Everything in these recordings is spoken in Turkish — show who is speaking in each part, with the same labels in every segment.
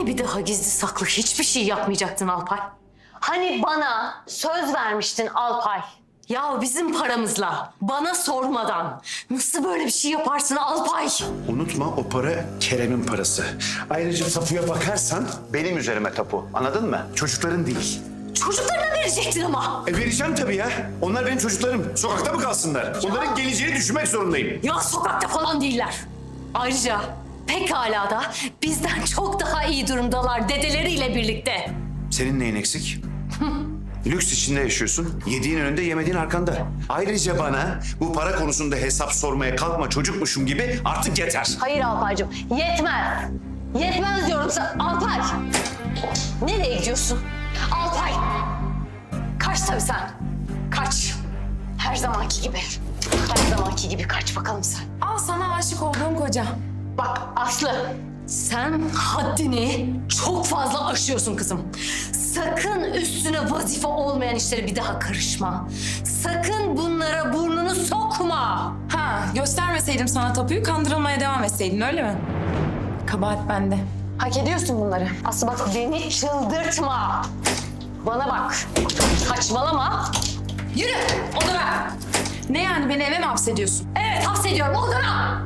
Speaker 1: Bir daha gizli saklı hiçbir şey yapmayacaktın Alpay. Hani bana söz vermiştin Alpay. Ya bizim paramızla, bana sormadan nasıl böyle bir şey yaparsın Alpay?
Speaker 2: Unutma o para Kerem'in parası. Ayrıca tapuya bakarsan benim üzerime tapu. Anladın mı? Çocukların değil.
Speaker 1: Çocuklarına verecektin ama.
Speaker 2: Vereceğim tabii ya. Onlar benim çocuklarım. Sokakta mı kalsınlar? Onların geleceğini düşünmek zorundayım.
Speaker 1: Ya sokakta falan değiller. Ayrıca pekala da bizden çok daha iyi durumdalar dedeleriyle birlikte.
Speaker 2: Senin neyin eksik? Lüks içinde yaşıyorsun. Yediğin önünde, yemediğin arkanda. Ayrıca bana bu para konusunda hesap sormaya kalkma çocukmuşum gibi artık yeter.
Speaker 1: Hayır Alpaycığım, yetmez. Yetmez diyorum sana. Alpay! Nereye gidiyorsun? Alpay! Kaç tabii sen. Kaç. Her zamanki gibi. Her zamanki gibi kaç bakalım sen.
Speaker 3: Al sana aşık olduğum koca.
Speaker 1: Bak Aslı, sen haddini çok fazla aşıyorsun kızım. Sakın üstüne vazife olmayan işlere bir daha karışma. Sakın bunlara burnunu sokma.
Speaker 3: Ha, göstermeseydim sana tapuyu, kandırılmaya devam etseydin, öyle mi? Kabahat bende.
Speaker 1: Hak ediyorsun bunları. Aslı bak beni çıldırtma. Bana bak. Saçmalama. Yürü odana.
Speaker 3: Ne yani, beni eve mi hapsediyorsun?
Speaker 1: Evet hapsediyorum odana.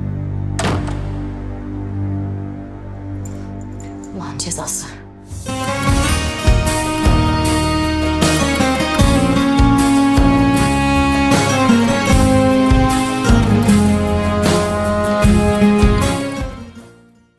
Speaker 1: Ulan cezası.